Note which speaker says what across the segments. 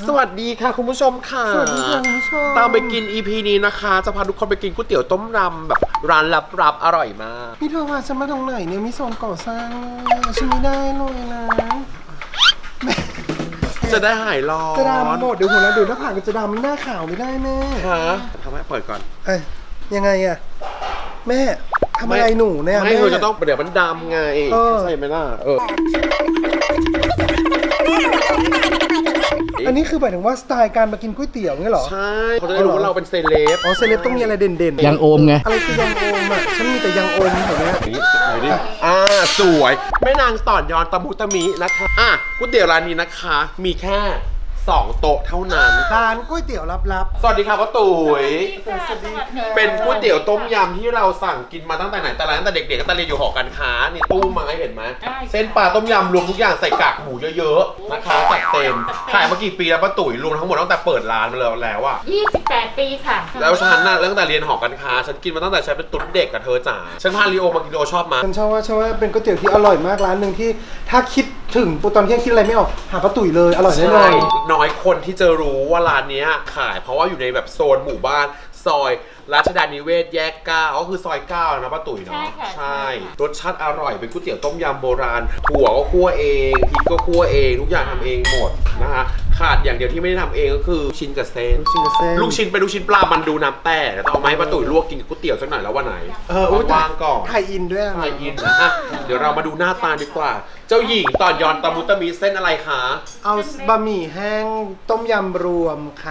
Speaker 1: สวัสดีค่ะคุณผู้ชมค่ะ
Speaker 2: สวัสดีค่ะคุณผู้ชม
Speaker 1: ตามไปกิน EP นี้นะคะจะพาทุกคนไปกินก๋วยเตี๋ยวต้มยำแบบร้านลับๆอร่อยมาก
Speaker 2: พี่เธอพาฉันมาตรงไหนเนี่ยมีโซนก่อสร้างเลยฉันไม่ได้เลยนะแม่
Speaker 1: จะได้หายร้อน
Speaker 2: จะดำหมดเดี๋ยวหัวเราะเดี๋ยวหน้าผากจะดำหน้าขาวไม่ได้แม่
Speaker 1: ฮะทำให้เปิดก่อน
Speaker 2: เอ้ยยังไงอะแม่ทำอะไรหนูเนี่ย
Speaker 1: ไม่
Speaker 2: แม่
Speaker 1: เธอจะต้องเดี๋ยวมันดำไง
Speaker 2: เออ
Speaker 1: ใช่ไหมล่ะ
Speaker 2: อันนี้คือหมายถึงว่าสไตล์การมากินก๋วยเตี๋ยวเนี่ยเหรอ
Speaker 1: ใช่เขาจะได้รู้ว่าเราเป็นเซเลบ
Speaker 2: อ๋อเซเลบต้องมีอะไรเด่นๆ
Speaker 3: ยังโอมไง
Speaker 2: อะไรคือยังโอมอ่ะฉันมีแต่ยังโอมแถวเนี้ย
Speaker 1: นี่ไหนดิสวยแม่นางต่อนยอนตะมุตะมินะคะก๋วยเตี๋ยวร้านนี้นะคะ มีแค่2 โต๊ะเท่านั้น
Speaker 2: ร้านก๋วยเตี๋ยวลับ
Speaker 1: สวัสดีค่ะป้าตุ๋ย
Speaker 2: ๆสวัสดีค่ะ
Speaker 1: เป็นก๋วยเตี๋ยวต้มยำที่เราสั่งกินมาตั้งแต่ไหนแต่ไรตั้งแต่เด็กๆก็ตอนเรียนอยู่หอการค้านี่ตู้ไม้เห็นไหมเส้นปลาต้มยำรวมทุกอย่างใส่กากหมูเยอะๆนะคะจัดเต็มขายมากี่ปีแล้วป้าตุ๋ยรวมทั้งหมดตั้งแต่เปิดร้านมาแล้วอะ
Speaker 4: 28 ปีค่ะ
Speaker 1: แล้วฉันน่ะตั้งแต่เรียนหอการค้าฉันกินมาตั้งแต่ฉันเป็นตุ๊ดเด็กกับเธอจ๋าฉันพาลีโอมากินลีโอชอบมั้ย
Speaker 2: ฉันชอบว่าเป็นก๋วยเตี๋ยวที่อร่อยมากร้านหนึ่งที่ถ้าคิดถึงตอนเที่ยงคิดอะไรไม่ออกหาป้าตุ๋ยเลยอร่อยแน่นอ
Speaker 1: ใช่
Speaker 2: น
Speaker 1: น้อยคนที่จะรู้ว่าร้านเนี้ยขายเพราะว่าอยู่ในแบบโซนหมู่บ้านซอยรัชดานิเวศแยก9ก็คือซอย9นะป้าตุ๋ยเนาะ
Speaker 4: ใช่ค่ะ
Speaker 1: ใช่รสชาติอร่อยเป็นก๋วยเตี๋ยวต้มยำโบราณถั่วก็คั่วเองพริกก็คั่วเองทุกอย่างทำเองหมดนะคะขาดอย่างเดียวที่ไม่ได้ทำเองก็คือชิ้นกับเส้น
Speaker 2: ชิงกับเส้น
Speaker 1: ลูกชิ้นเป็นลูกชิ้นปลามันดูน้ำแต่ต้องเอาไมาให้ป้าตุ๋ยลวกกินกับก๋วยเตี๋ยวสักหน่อยแล้ววันไหน
Speaker 2: อุ๊ย
Speaker 1: ว่างๆก่อน
Speaker 2: ไทยอินด้วยอะ
Speaker 1: ไทยอินนะอ่ะเดี๋ยวเรามาดูหน้าตาดีกว่า เจ้าหญิงต่อนยอนตะมุตะมิเส้นอะไรคะ
Speaker 2: เอาบะหมี่แห้งต้มยำรวมค่ะ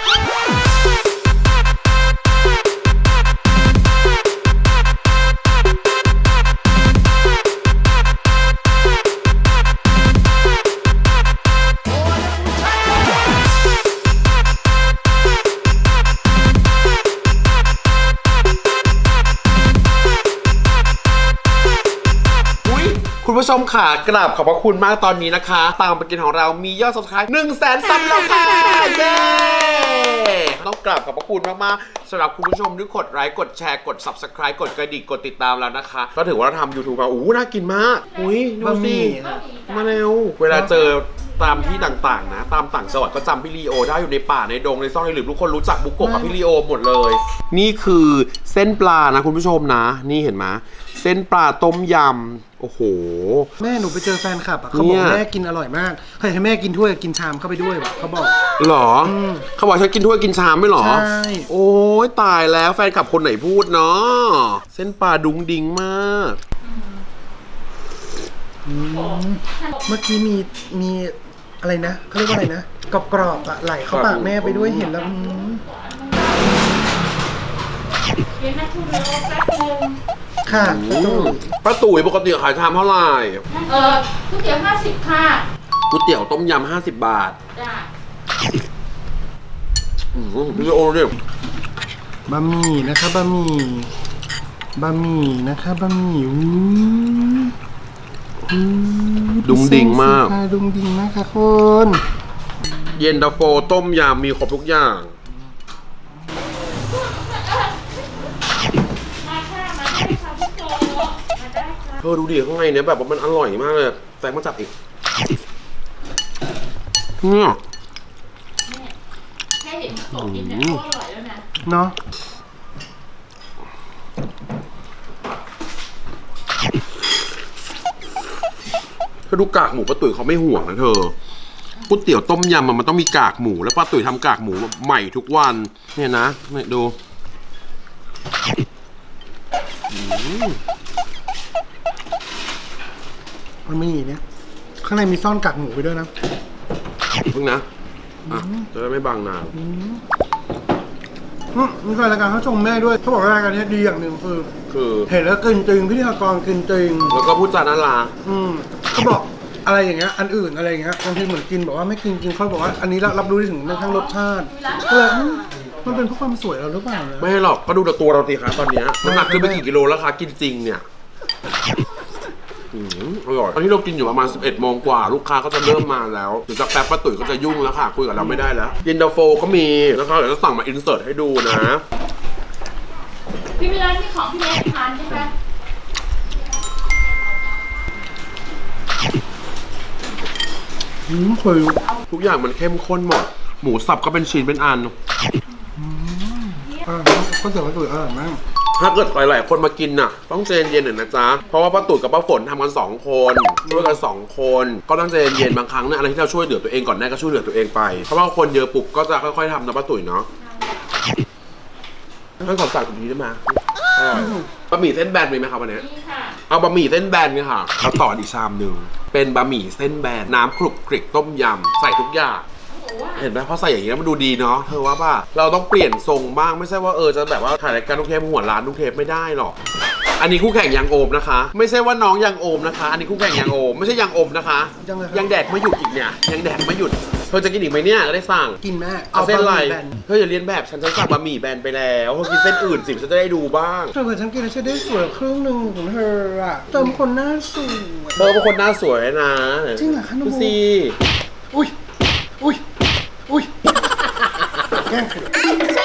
Speaker 1: อุ๊ยคุณผู้ชมค่ะกราบขอบพระคุณมากตอนนี้นะคะ ตามไปกินของเรามียอด subscribe 100,000 ซับแล้วค่ะ เย้ ต้องกราบขอบพระคุณมากๆสำหรับคุณผู้ชมที่กดไลค์กดแชร์กด subscribe กดกระดิ่งกดติดตามแล้วนะคะ ก็ถือว่าเราทำ YouTube มาน่ากินมากอุ้ยดู
Speaker 2: บะห
Speaker 1: สิ
Speaker 2: มี่
Speaker 1: มาเร็วเวลาเจอตามที่ต่างๆนะตามต่างจังหวัดก็จำพี่ลีโอได้อยู่ในป่าในดงในซ่องในหลืบทุกคนรู้จักบุกโกะกับพี่ลีโอหมดเลย นี่คือเส้นปลานะคุณผู้ชมนะ นี่เห็นไหมเส้นปลาต้มยำโอ้โห
Speaker 2: แม่หนูไปเจอแฟนคลับอ่ะเขาบอก
Speaker 1: เนี่ย
Speaker 2: แม่กินอร่อยมากเคยให้แม่กินถ้วยกินชามเข้าไปด้วยว่ะเขาบอก
Speaker 1: หรอเขาบอกฉันกินถ้วยกินชามไม่หรอ
Speaker 2: ใช่
Speaker 1: โอ้ยตายแล้วแฟนคลับคนไหนพูดเนาะเส้นปลาดุงดิงมาก
Speaker 2: เมื่อกี้มีอะไรนะเขาเรียกว่าอะไรนะกรอบๆอ่ะไหลเข้าปากแม่ไปด้วยเห็นแล้ว
Speaker 4: เดี๋ยวนะคุณรอแป๊บนึง
Speaker 2: ค่ะป้าตุ๋ย
Speaker 1: ป้าตุ๋ยปกติขายชามเท่าไหร่
Speaker 4: ก๋วยเตี๋ยว50 ค่ะ
Speaker 1: ก๋วยเตี๋ยวต้มยำ50 บาท
Speaker 4: จ้ะ
Speaker 1: พี่โอเนี่ย
Speaker 2: บะหมี่นะคะบะหมี่นะคะบะหมี่
Speaker 1: ดุงดิงมาก
Speaker 2: ค่ะดุงดิงมากค่ะคุณ
Speaker 1: เย็นตาโฟต้มยำมีครบทุกอย่าง
Speaker 4: มาค่ะมาได้ค่ะพี่โจมาได้ค่ะ
Speaker 1: เธอดูดิข้างในเนี่ยแบบว่ามันอร่อยมากเลยแฟนมาจับอีกเนี่ย
Speaker 4: แค่เห็นโจกินเนี่ยก็อร่อยแล้วนะ
Speaker 2: เนาะ
Speaker 1: ถ้าดูกากหมูป้าตุ๋ยเขาไม่ห่วงนะเธอก๋วยเตี๋ยวต้มยำมันต้องมีกากหมูแล้วป้าตุ๋ยทำกากหมูใหม่ทุกวันเนี่ยนะเนี่ยดู
Speaker 2: บะหมี่เนี่ยข้างในมีซ่อนกากหมูไปด้วยนะ
Speaker 1: เพิ่งนะอ่ะจะได้ไม่บางนาน
Speaker 2: มีแฟนรายการเขาชมแม่ด้วยเขาบอกว่ารายการนี้ดีอย่างหนึ่งคือ
Speaker 1: คือ
Speaker 2: เห็นแล้วกินจริงพิธีกรกินจริง
Speaker 1: แล้วก็พูดจาน่ารัก
Speaker 2: เขาบอกอะไรอย่างเงี้ยอันอื่นอะไรอย่างเงี้ยบางทีเหมือนกินบอกว่าไม่กินจริงเขาบอกว่าอันนี้รับรู้ได้ถึงทั้งรสชาติก็เลยมันเป็นเพราะความสวยเราหรือเปล่านะ
Speaker 1: ไม่หรอกก็ดูแต่ตัวเราตีคะตอนเนี้ยน้ำหนักขึ้นไปกี่กิโลแล้วคะกินจริงเนี่ยอร่อยตอนที่เรากินอยู่ประมาณ 11 โมงกว่าลูกค้าก็จะเริ่มมาแล้วเดี๋ยวสักแป๊บป้าตุ๋ยก็จะยุ่งแล้วค่ะคุยกับเราไม่ได้แล้วเย็นตาโฟก็มีแล้วก็เดี๋ยวจะสั่งมาอินเสิร์ตให้ดูนะ
Speaker 4: พี่เวลาที่ของพี่เล็กทานใช่ไหม
Speaker 2: เคย
Speaker 1: ทุกอย่างมันเข้มข้นหมดหมูสับก็เป็นชิ้นเป็นอัน
Speaker 2: ก็เสียว่าตุ๋ยอร่อยมาก
Speaker 1: ถ้าเกิดหลายๆคนมากินน่ะ ต้องใจเย็นๆหน่อยนะจ๊ะ เพราะว่าป้าตุ๋ยกับป้าฝนทำกัน2 คนช่วยกัน2 คนก็ต้องใจเย็นๆบางครั้งเนี่ยอะไรที่เราช่วยเหลือตัวเองก่อนได้ก็ช่วยเหลือตัวเองไปเพราะว่าคนเยอะปุ๊บก็จะค่อยๆทำนะป้าตุ๋ยเนาะให้ขอสั่งตรงนี้ได้ไหมบะหมี่เส้นแบนมีไหมครับวันนี้
Speaker 4: นี่ค่ะ
Speaker 1: เอาบะหมี่เส้นแบนกันค่ะเอาต่ออีกชามหนึ่งเป็นบะหมี่เส้นแบนน้ำคลุกคลิกต้มยำใส่ทุกอย่างเห็นไหมพอใส่อย่างนี้แล้วมันดูดีเนาะเธอว่าป่ะเราต้องเปลี่ยนทรงบ้างไม่ใช่ว่าจะแบบว่าถ่ายรายการทุกเทปหัวร้านทุกเทปไม่ได้หรอกอันนี้คู่แข่งยังโอมนะคะ ไม่ใช่ว่าน้องยังโอมนะคะ อันนี้คู่แข่งยังโอมไม่ใช่ยังโอมนะคะ ยังแดกไม่หยุดอีกเนี่ยยังแดกไม่หยุดเธอจะกินอีกไหมเนี่ยจะได้สั่ง
Speaker 2: กินแม่
Speaker 1: เอาเส้นอะไร
Speaker 2: บะหมี่แบน
Speaker 1: เธออย่าเรียนแบบฉันสั่งบะหมี่แบนไปแล้วเธอกินเส้นอื่นสิฉันจะได้ดูบ้าง
Speaker 2: เธอเหมือนฉันกินแล้วฉันได้สวยครึ่งหนึ่งของเธออะเติมคนหน้าสวย
Speaker 1: เธอเป็นคนหน้าสวยนะ
Speaker 2: จริงเหรอคะน้อง
Speaker 1: ดู
Speaker 2: โบ
Speaker 1: สิ
Speaker 2: อุ้ยอุ้ยอุ้ยแกล้งเขย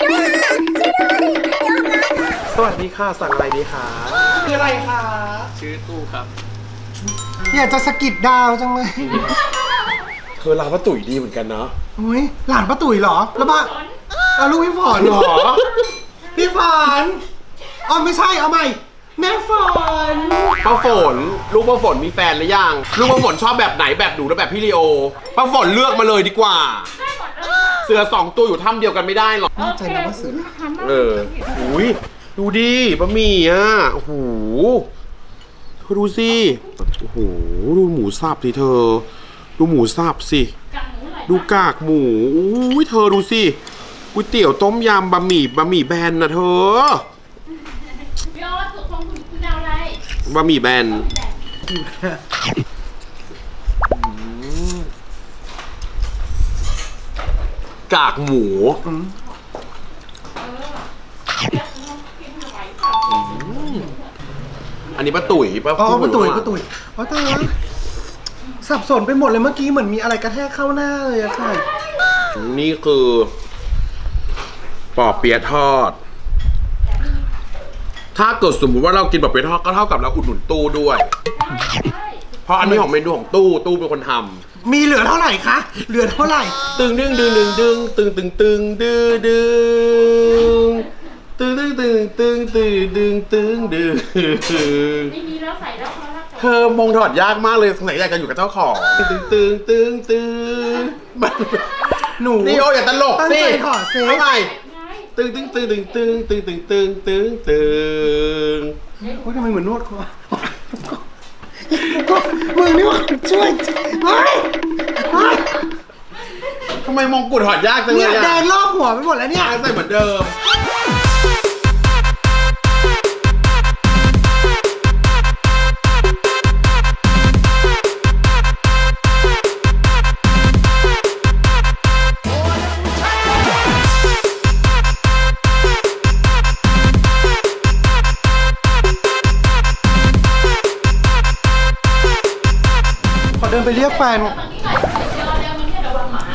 Speaker 1: สวัสดีค่ะสั่งอะไรดีคะ
Speaker 2: คืออะไรคะ
Speaker 3: ชื่อตู้ครับ
Speaker 2: อยากจะสะกิดดาวจังเลย
Speaker 1: เธอร้านป้าตุ๋ยดีเหมือนกันเนาะ
Speaker 2: อุ้ยหลานป้าตุ๋ยเหรอแล้วบ้าลูกพี่ฝนเหรอพี่ฝนอ๋อไม่ใช่เอาใหม่แม่ฝน
Speaker 1: ป้าฝนลูกป้าฝนมีแฟนหรือยังลูกป้าฝนชอบแบบไหนแบบหนูหรือแบบพี่ลีโอป้าฝนเลือกมาเลยดีกว่า เสือ2 ตัวอยู่ถ้ำเดียวกันไม่ได้หรอก
Speaker 2: แน่ใจนะว่าเสือ
Speaker 1: อุ้ยดูดิบะหมี่อ่ะโอ้โหเธอดูสิโอ้โหดูหมูสับสิเธอ ดูหมูสับสิ
Speaker 4: กากหมูอร่อย
Speaker 1: ดูกากหมูอุ้ยเธอดูสิก๋วยเตี๋ยวต้มยำบะหมี่แบนนะเธอ
Speaker 4: พี่โอ๊ตถูกของคุณดาวอะไร
Speaker 1: บะหมี่แบนกากหมู อันนี้ป้าตุ๋ยป้า
Speaker 2: อ๋อป้าตุ๋ย
Speaker 1: พูด
Speaker 2: ป้าตุ๋ยอ๋อตายแล้วสับสนไปหมดเลยเมื่อกี้เหมือนมีอะไรกระแทกเข้าหน้าเลยอะค่ะ
Speaker 1: นี่คือปอเปี๊ยะทอด ถ้าเกิดสมมติว่าเรากินปอเปี๊ยะทอดก็เท่ากับเราอุดหนุนตู้ด้วย เพราะอันนี้ของเมนูของตู้เป็นคนทำ
Speaker 2: มีเหลือเท่าไหร่คะเหลือเท่าไหร่
Speaker 1: ตึงดึงดึงดึงดึงตึงตึงตึงดึงดึงตึงตึงตึงตึงตึงดึงตึงดึง
Speaker 4: ไม่มีแล้วใส่แล้วพอแล้ว
Speaker 1: เธอมองถอดยากมากเลยสงสัยอยากจะอยู่กับเจ้าของตึงตึงตึงตึง
Speaker 2: หนู
Speaker 1: นี่โออย่าตลก
Speaker 2: ตั้ง
Speaker 1: สิ
Speaker 2: ใจถอดเซฟ
Speaker 1: เอาใหม่
Speaker 4: ไง
Speaker 1: ตึงตึงตึงตึงตึงตึงตึงตึงตึงตึง
Speaker 2: โอ้ยทำไมเหมือนนวดคอมึงนี่ว่าช่วยเฮ้ยเฮ้ย
Speaker 1: ทำไมมงกุฎถอดยากจังเล
Speaker 2: เนี่ย
Speaker 1: ย
Speaker 2: แด
Speaker 1: อ่ะ
Speaker 2: งรอบหัวไปหมดแล้วเนี่ย
Speaker 1: ใส่เหมือนเดิม
Speaker 2: ขอเดินไปเรียกแฟน
Speaker 4: ตอนนี้หน่อยเดี๋ยวมันแค่ระวังหมา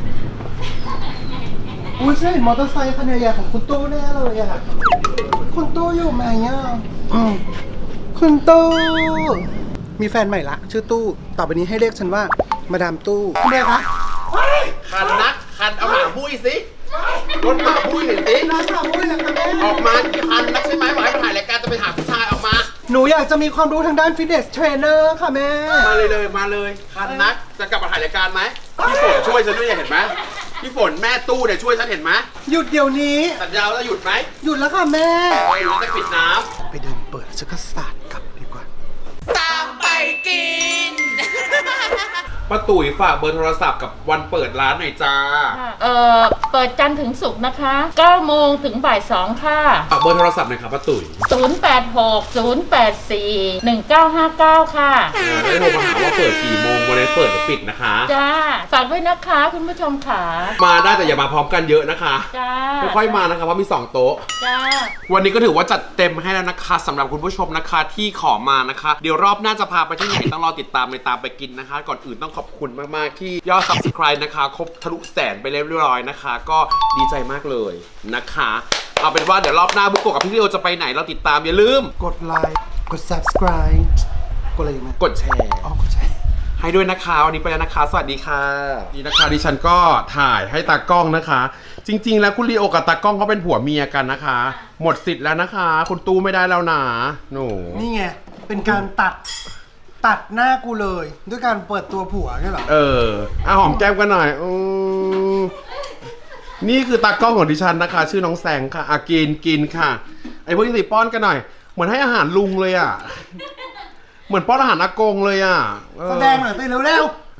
Speaker 2: อุ้ยใช่มอเตอร์ไซค์คันใหญ่ๆของคุณตู้แน่เลยอะคุณตู้อยู่ไหมอะคุณตู้มีแฟนใหม่ละชื่อตู้ต่อไปนี้ให้เรียกฉันว่ามาดามตู้ทำไมคะ
Speaker 1: คันนักคันเอาหมาบุ้ยสิรถหมาบุ้ยหน่อยสิ
Speaker 2: ร้านขามุ้ยนะคะแม่
Speaker 1: ออกมาคันนักใช่ไหมบอกให้มาถ่ายรายการจะไปหาผู้ชายออกมา
Speaker 2: หนูอยากจะมีความรู้ทางด้านฟิตเนสเทรนเนอร์ค่ะแม่
Speaker 1: มาเลยคันนักจะกลับมาถ่ายรายการไหมพี่ฝนช่วยฉันด้วยเห็นไหมพี่ฝนแม่ตู้เนี่ยช่วยฉันเห็นไหม
Speaker 2: หยุดเดี๋ยวนี้
Speaker 1: สัญญาว่าจะหยุดไหม
Speaker 2: หยุดแล้วค่ะแม่
Speaker 1: หรือจะปิดน้
Speaker 2: ไปเดินเปิดฉันก็สาดกลับดีกว่า
Speaker 1: ป้าตุ๋ยฝากเบอร์โทรศัพท์กับวันเปิดร้านหน่อยจ้า
Speaker 4: เปิดจันทร์ถึงศุกร์นะคะ9 โมงถึงบ่าย 2 ค่ะ
Speaker 1: ฝากเบอร์โทรศัพท์หน่อยครับป้าตุ๋ย
Speaker 4: 086 084 1959 ค่ะ
Speaker 1: ได้โทรมาหาว่าเปิดกี่โมงวันนี้เปิดหรือปิดนะคะ
Speaker 4: จ้า ฝากด้วยนะคะคุณผู้ชมค่ะ
Speaker 1: มาได้แต่อย่ามาพร้อมกันเยอะนะคะ
Speaker 4: จ้า
Speaker 1: ค่อยๆมานะคะเพราะมี2โต๊ะ
Speaker 4: จ้า
Speaker 1: วันนี้ก็ถือว่าจัดเต็มให้แล้วนะคะสำหรับคุณผู้ชมนะคะที่ขอมานะคะ เดี๋ยวรอบหน้าจะพาไปที่ไหนต้องรอติดตามในตามไปกินนะคะ ก่อนอื่นต้องขอบคุณมากๆที่ยอด subscribe นะคะครบทะลุแสนไปเรียบร้อยนะคะ ก็ดีใจมากเลยนะคะ เอาเป็นว่าเดี๋ยวรอบหน้าบุกโกะกับพี่ลีโอจะไปไหนเราติดตามอย่าลืม
Speaker 2: กดไลค์ กด subscribe กดอะไรอยู่ไหม
Speaker 1: กดแชร์
Speaker 2: อ๋อกดแชร์
Speaker 1: ให้ด้วยนะคะวันนี้ไปแล้วนะคะ สวัสดีค่ะนี่นะคะดิฉันก็ถ่ายให้ตากล้องนะคะ จริงๆแล้วคุณลีโอกับตากล้องเขาเป็นผัวเมียกันนะคะ หมดสิทธิ์แล้วนะคะ คุณตู้ไม่ได้แล้วนะหนู
Speaker 2: นี่ไง เป็นการตัดหน้ากูเลย ด้วยการเปิดตัวผัวใช่เหรอ
Speaker 1: หอมแก้มกันหน่อยนี่คือตากล้องของดิฉันนะคะ ชื่อน้องแสงค่ะกินค่ะ ไอพวกนี้สิป้อนกันหน่อย เหมือนให้อาหารลุงเลยอ่ะ เหมือนป้อนอาหารอากงเลยอ่ะ
Speaker 2: แสดงหน่อยสิเร็วๆ